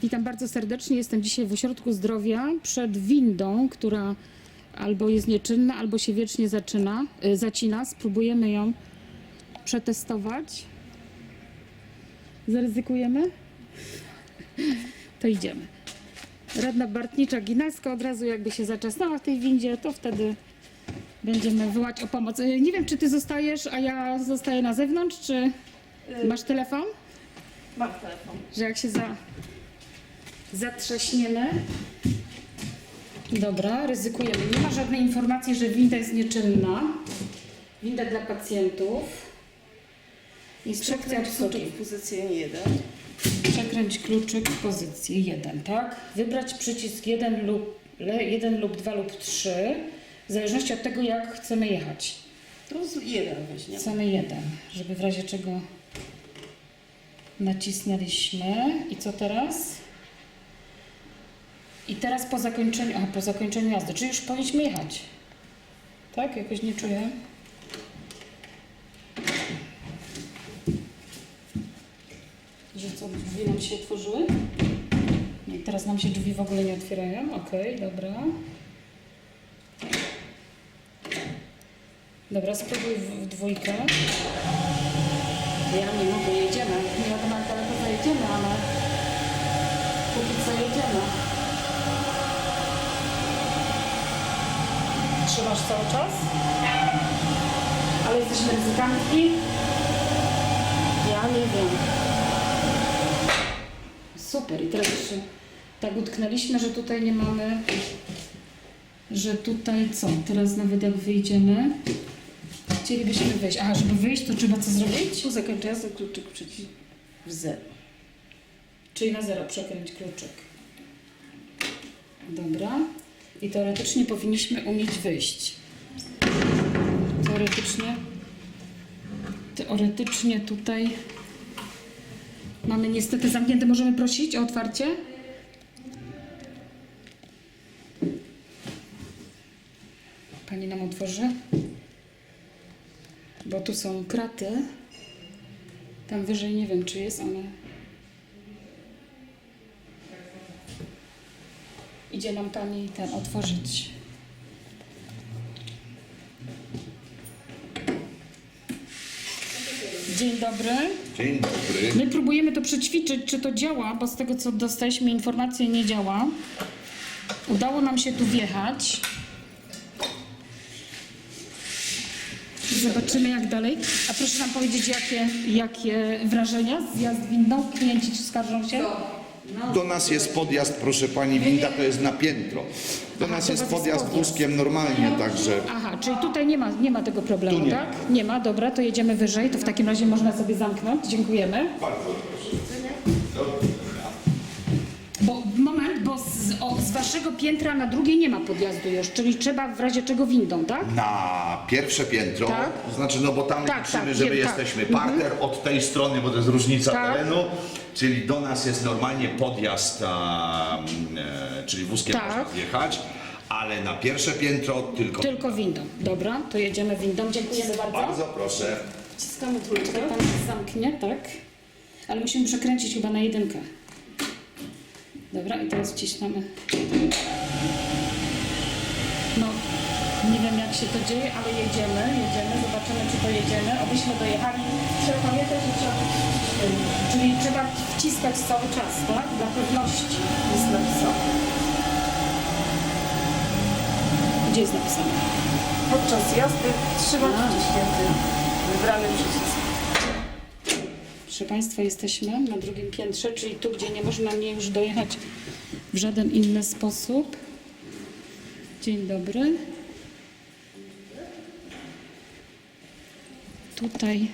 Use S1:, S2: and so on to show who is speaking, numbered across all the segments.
S1: Witam bardzo serdecznie. Jestem dzisiaj w Ośrodku Zdrowia przed windą, która albo jest nieczynna, albo się wiecznie zacina. Spróbujemy ją przetestować. Zaryzykujemy? To idziemy. Radna Bartnicza-Ginalska od razu jakby się zaczesnała w tej windzie, to wtedy będziemy wołać o pomoc. Nie wiem, czy ty zostajesz, a ja zostaję na zewnątrz, czy masz telefon?
S2: Mam telefon.
S1: Że jak się zatrzaśniemy. Dobra, ryzykujemy. Nie ma żadnej informacji, że winda jest nieczynna. Winda dla pacjentów. Instrukcja obsługi.
S2: W pozycję 1.
S1: Przekręć kluczyk w pozycję 1, tak? Wybrać przycisk 1 lub 2 lub 3, w zależności od tego, jak chcemy jechać.
S2: To z 1 weźmiemy.
S1: Chcemy 1, żeby w razie czego nacisnęliśmy. I co teraz? I teraz po zakończeniu jazdy, czyli już powinniśmy jechać. Tak? Jakoś nie czuję. Że co, drzwi nam się otworzyły? Nie, teraz nam się drzwi w ogóle nie otwierają. Okej, dobra. Dobra, spróbuj w dwójkę. Ja nie mogę, jedziemy. Nie wiadomo jak daleko zajedziemy, ale póki co jedziemy. Trzymasz cały czas? Ale jesteśmy ryzykantki? Ja nie wiem. Super. I teraz jeszcze tak utknęliśmy, że tutaj nie mamy, że tutaj co? Teraz nawet jak wyjdziemy, chcielibyśmy wyjść. Aha, żeby wyjść, to trzeba co zrobić?
S2: Tu zakończę jazdę, kluczyk przycisk w 0.
S1: Czyli na 0 przekręć kluczyk. Dobra. I teoretycznie powinniśmy umieć wyjść. Teoretycznie tutaj mamy niestety zamknięte. Możemy prosić o otwarcie? Pani nam otworzy? Bo tu są kraty. Tam wyżej nie wiem, czy jest, ale... Idzie nam pani ten otworzyć. Dzień dobry.
S3: Dzień dobry.
S1: My próbujemy to przećwiczyć, czy to działa, bo z tego co dostaliśmy informację, nie działa. Udało nam się tu wjechać. Zobaczymy jak dalej. A proszę nam powiedzieć, jakie wrażenia z jazd windą? Klienci ci skarżą się?
S3: Do nas jest podjazd, proszę pani, winda to jest na piętro. Do nas
S1: to
S3: jest
S1: was jest
S3: podjazd
S1: podjazd.
S3: wózkiem normalnie, także
S1: Aha, czyli tutaj nie ma tego problemu,
S3: Tu nie
S1: tak? Nie ma, dobra, to jedziemy wyżej, to w takim razie można sobie zamknąć. Dziękujemy.
S3: bardzo proszę.
S1: Bo z waszego piętra na drugie nie ma podjazdu już, czyli trzeba w razie czego windą, tak?
S3: Na pierwsze piętro,
S1: Tak.
S3: to znaczy, no bo tam
S1: Tak,
S3: liczymy,
S1: tak,
S3: że my
S1: wiem, tak.
S3: jesteśmy parter od tej strony, bo to jest różnica
S1: Tak.
S3: terenu, czyli do nas jest normalnie podjazd, czyli wózkiem
S1: Tak.
S3: można wjechać, ale na pierwsze piętro
S1: Tylko windą. Dobra, to jedziemy windą. Dziękujemy bardzo.
S3: Bardzo proszę.
S1: Wciskamy trójkę, pan zamknie, tak? Ale musimy przekręcić chyba na 1. Dobra, i teraz wciśniamy. No, nie wiem jak się to dzieje, ale jedziemy, zobaczymy czy to jedziemy. Obyśmy dojechali. Trzeba pamiętać, że trzeba czyli trzeba wciskać cały czas, tak? Dla pewności jest napisane. Gdzie jest napisane?
S2: Podczas jazdy trzymać wciśnięty wybrany przycisk.
S1: Proszę Państwa, jesteśmy na drugim piętrze, czyli tu, gdzie nie można mnie już dojechać w żaden inny sposób. Dzień dobry. Tutaj.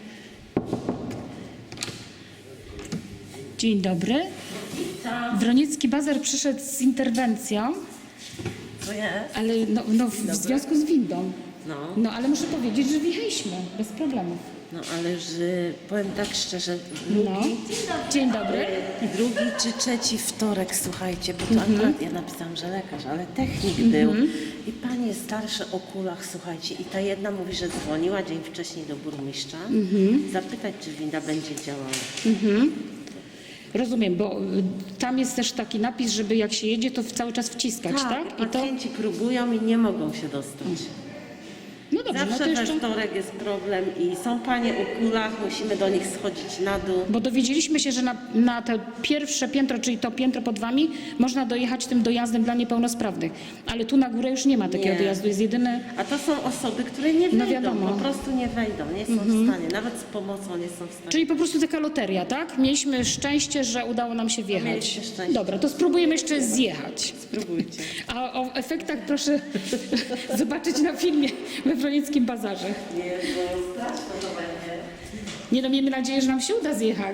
S1: Dzień dobry. Wroniecki Bazar przyszedł z interwencją,
S2: To jest?
S1: ale w związku z windą.
S2: No.
S1: No, ale muszę powiedzieć, że wjechaliśmy bez problemu.
S4: No ale że powiem tak szczerze,
S1: No. Dzień dobry.
S4: drugi czy trzeci wtorek, słuchajcie, bo to akurat ja napisałam, że lekarz, ale technik był i panie starsze o kulach, słuchajcie, i ta jedna mówi, że dzwoniła dzień wcześniej do burmistrza, zapytać, czy winda będzie działała.
S1: Rozumiem, bo tam jest też taki napis, żeby jak się jedzie, to cały czas wciskać, tak?
S4: I pacjenci próbują i nie mogą się dostać.
S1: No dobrze, no to
S4: Zawsze we
S1: jeszcze...
S4: wtorek jest problem i są panie o kulach, musimy do nich schodzić na dół.
S1: Bo dowiedzieliśmy się, że na to pierwsze piętro, czyli to piętro pod wami, można dojechać tym dojazdem dla niepełnosprawnych. Ale tu na górę już nie ma takiego
S4: Nie.
S1: dojazdu, jest jedyny...
S4: A to są osoby, które nie wejdą,
S1: wiadomo.
S4: po prostu nie wejdą, nie są w stanie, nawet z pomocą nie są w stanie.
S1: Czyli po prostu taka loteria, tak? Mieliśmy szczęście, że udało nam się wjechać.
S4: mieliście szczęście.
S1: Dobra, to spróbujemy jeszcze zjechać.
S4: Spróbujcie.
S1: A o efektach proszę zobaczyć na filmie we Wronieckim Bazarze.
S4: Nie, bo straszne to będzie.
S1: Nie no, miejmy nadzieję, że nam się uda zjechać.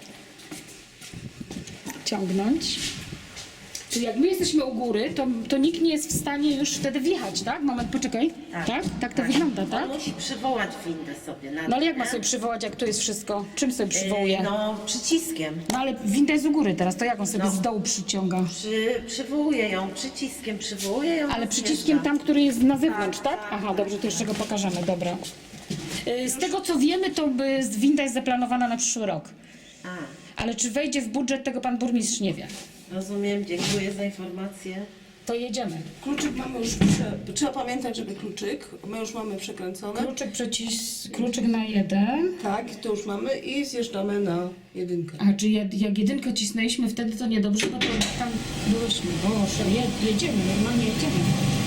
S1: Ciągnąć. Czyli jak my jesteśmy u góry, to nikt nie jest w stanie już wtedy wjechać, tak? Moment, poczekaj. Tak? Tak to wygląda, tak?
S4: On musi przywołać windę sobie na
S1: No ale jak ma
S4: nie?
S1: sobie przywołać, jak tu jest wszystko? Czym sobie przywołuje?
S4: No, przyciskiem.
S1: No ale winda jest u góry teraz, to jak on sobie z dołu przyciąga?
S4: Przywołuje ją przyciskiem, przywołuje ją.
S1: Ale
S4: i
S1: przyciskiem
S4: zjeżdża.
S1: tam, który jest na zewnątrz, tak?
S4: tak,
S1: Aha, dobrze, to jeszcze go pokażemy, dobra. Z tego co wiemy, to winda jest zaplanowana na przyszły rok.
S4: A,
S1: Ale czy wejdzie w budżet, tego pan burmistrz nie wie.
S4: rozumiem, dziękuję za informację.
S1: To jedziemy.
S2: Kluczyk mamy już, trzeba pamiętać, żeby kluczyk, my już mamy przekręcone.
S1: Kluczyk na 1.
S2: Tak, to już mamy i zjeżdżamy na jedynkę.
S1: A czy jak jedynkę cisnęliśmy wtedy, to niedobrze, no to tam byłyśmy. Boże, jedziemy, normalnie jedziemy.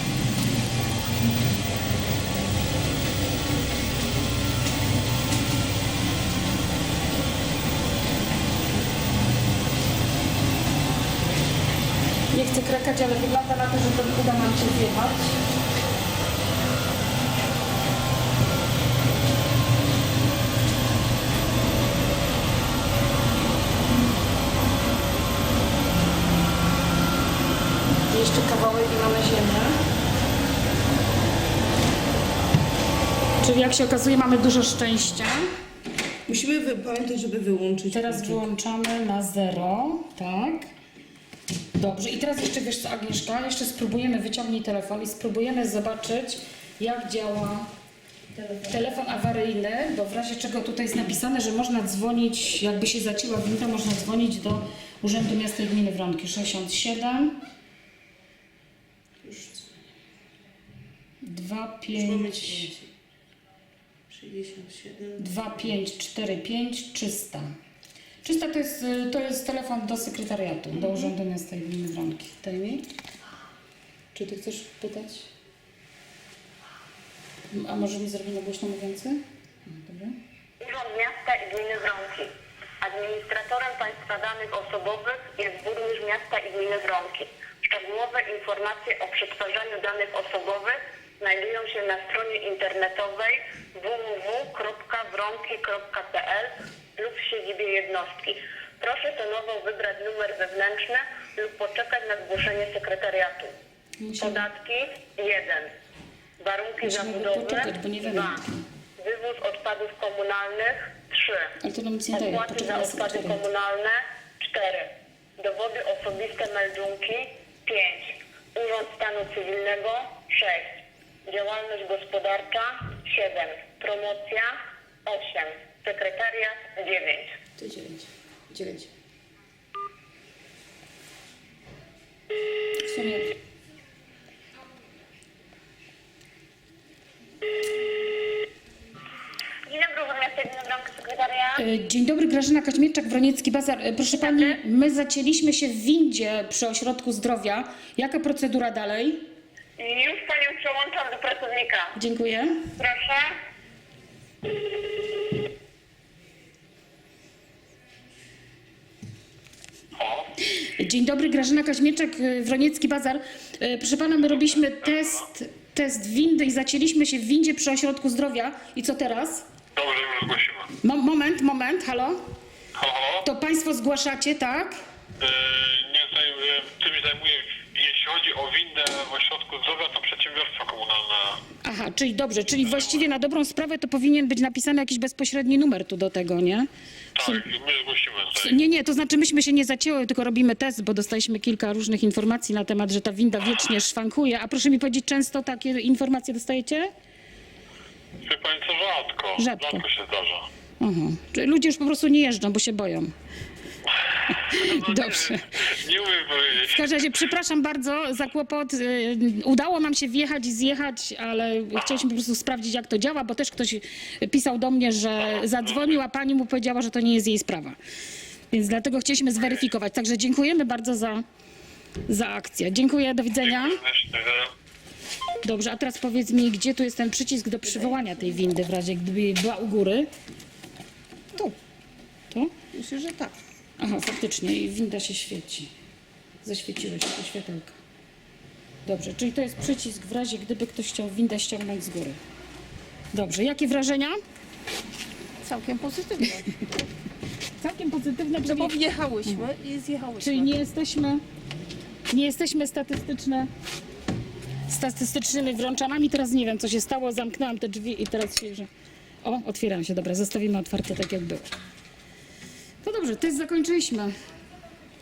S1: Nie chcę krakać, ale wygląda na to, że to uda nam się zjechać. Jeszcze kawałek i mamy ziemię. Czyli jak się okazuje, mamy dużo szczęścia.
S2: Musimy pamiętać, żeby wyłączyć
S1: Teraz
S2: kluczyk.
S1: wyłączamy na 0, tak. Dobrze, i teraz jeszcze wiesz co, Agnieszka, jeszcze spróbujemy, wyciągnij telefon i spróbujemy zobaczyć, jak działa telefon awaryjny, bo w razie czego tutaj jest napisane, że można dzwonić, jakby się zacięła winda, można dzwonić do Urzędu Miasta i Gminy Wronki 67 25
S2: 67.
S1: 2545 300. 300 to jest telefon do sekretariatu, do Urzędu Miasta i Gminy Wronki. Daj mi. Czy ty chcesz pytać? A może mi zrobi na głośno mówiący? Dobra.
S5: Urząd Miasta i Gminy Wronki. Administratorem państwa danych osobowych jest burmistrz miasta i gminy Wronki. Szczegółowe informacje o przetwarzaniu danych osobowych znajdują się na stronie internetowej www.wronki.pl lub w siedzibie jednostki. Proszę tonowo wybrać numer wewnętrzny lub poczekać na zgłoszenie sekretariatu. Podatki 1. Warunki
S1: Musimy
S5: zabudowy
S1: poczekać, bo nie wiemy.
S5: 2. Wywóz odpadów komunalnych 3.
S1: Ale to nam nic nie daje.
S5: Opłaty
S1: Poczekaj
S5: za
S1: na
S5: odpady
S1: sekretariat.
S5: komunalne 4. Dowody osobiste meldunki 5. Urząd Stanu Cywilnego 6. Działalność gospodarcza 7. Promocja 8. Sekretariat 9.
S1: To 9. W sumie...
S5: Dzień dobry, Urząd Miasta i Gminy Wronki, sekretariat.
S1: Dzień dobry, Grażyna Kaźmierczak, Wroniecki Bazar. Proszę Pani, my zacięliśmy się w windzie przy Ośrodku Zdrowia. Jaka procedura dalej?
S5: Już Panią przełączam do pracownika.
S1: Dziękuję.
S5: Proszę.
S1: Dzień dobry, Grażyna Kaźmierczak, Wroniecki Bazar. Proszę Pana, my robiliśmy test windy i zacięliśmy się w windzie przy Ośrodku Zdrowia. I co teraz?
S6: Dobrze, już zgłosimy.
S1: Moment, halo?
S6: Halo?
S1: To Państwo zgłaszacie, tak?
S6: Tym się zajmuję, jeśli chodzi o windę w ośrodku zdrowia, to przedsiębiorstwo komunalne.
S1: Aha, czyli dobrze, czyli właściwie na dobrą sprawę to powinien być napisany jakiś bezpośredni numer tu do tego, nie?
S6: Tak, my zgłosimy tutaj.
S1: Nie, to znaczy myśmy się nie zacięły, tylko robimy test, bo dostaliśmy kilka różnych informacji na temat, że ta winda wiecznie szwankuje. A proszę mi powiedzieć, często takie informacje dostajecie?
S6: Wie pani co, rzadko.
S1: Rzadko.
S6: Rzadko się zdarza.
S1: Aha. Czyli ludzie już po prostu nie jeżdżą, bo się boją.
S6: No
S1: Dobrze.
S6: Nie umiem powiedzieć.
S1: W każdym razie przepraszam bardzo za kłopot. Udało nam się wjechać i zjechać, ale chcieliśmy po prostu sprawdzić, jak to działa, bo też ktoś pisał do mnie, że zadzwonił, a pani mu powiedziała, że to nie jest jej sprawa. Więc dlatego chcieliśmy zweryfikować. Także dziękujemy bardzo za akcję. Dziękuję, do widzenia. Dobrze, a teraz powiedz mi, gdzie tu jest ten przycisk do przywołania tej windy, w razie gdyby była u góry?
S2: Tu,
S1: Tu?
S2: myślę, że tak.
S1: Aha, faktycznie i winda się świeci. Zaświeciły się te światełka. Dobrze, czyli to jest przycisk w razie gdyby ktoś chciał windę ściągnąć z góry. Dobrze, jakie wrażenia?
S2: Całkiem pozytywnie.
S1: Całkiem pozytywne,
S2: No
S1: czyli,
S2: bo wjechałyśmy i zjechałyśmy.
S1: czyli nie jesteśmy statystycznymi wrączanami. Teraz nie wiem, co się stało. Zamknęłam te drzwi i teraz się, że... O, otwierają się. Dobra, zostawimy otwarte tak, jak było. To dobrze, test zakończyliśmy.